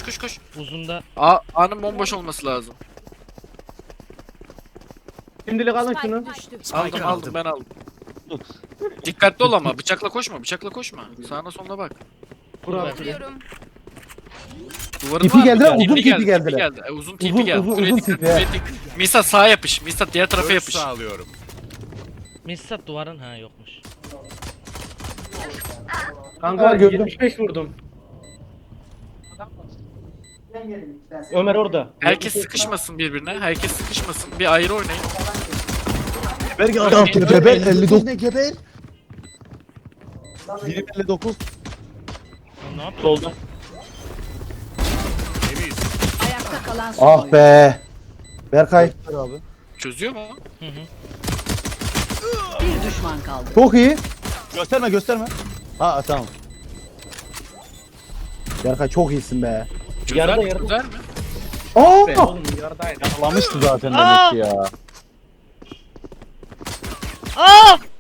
koş. Uzunda. A'nın bomboş olması lazım. Şimdilik alın şunu. Aldım ben aldım. Dikkatli ol ama bıçakla koşma. Sağına soluna bak. Bravo. Duvarın Tipi var mı? geldiler, uzun TP tipi geldiler. Uzun TP Uzun, geldi. uzun, Buraya uzun dikkat, tipi. buraya dikkat. Misa sağa yapış. Misa diğer tarafa Görüş yapış. sağlıyorum. Missat duvarın ha yokmuş. Kanka Ha, gördüm. 75 vurdum. Ömer orada. Herkes sıkışmasın birbirine. Herkes sıkışmasın. Bir ayrı oynayın. Berge Öyle altı mi? geber 59 ne geber? Birim 59. Ne yapıyor? Solda. Temiz. Ayakta kalan son Ah oyuncu. be. Berkay Abi. Çözüyor mu? Hı hı. Bir düşman kaldı. çok iyi. Gösterme. Ha tamam. Berkay çok iyisin be. Çözer Yarıda, mi? yarıda. Çözer mi? Be Aa! oğlum yaradaydı. Yakalamıştı zaten Aa! demek ki ya. Aa!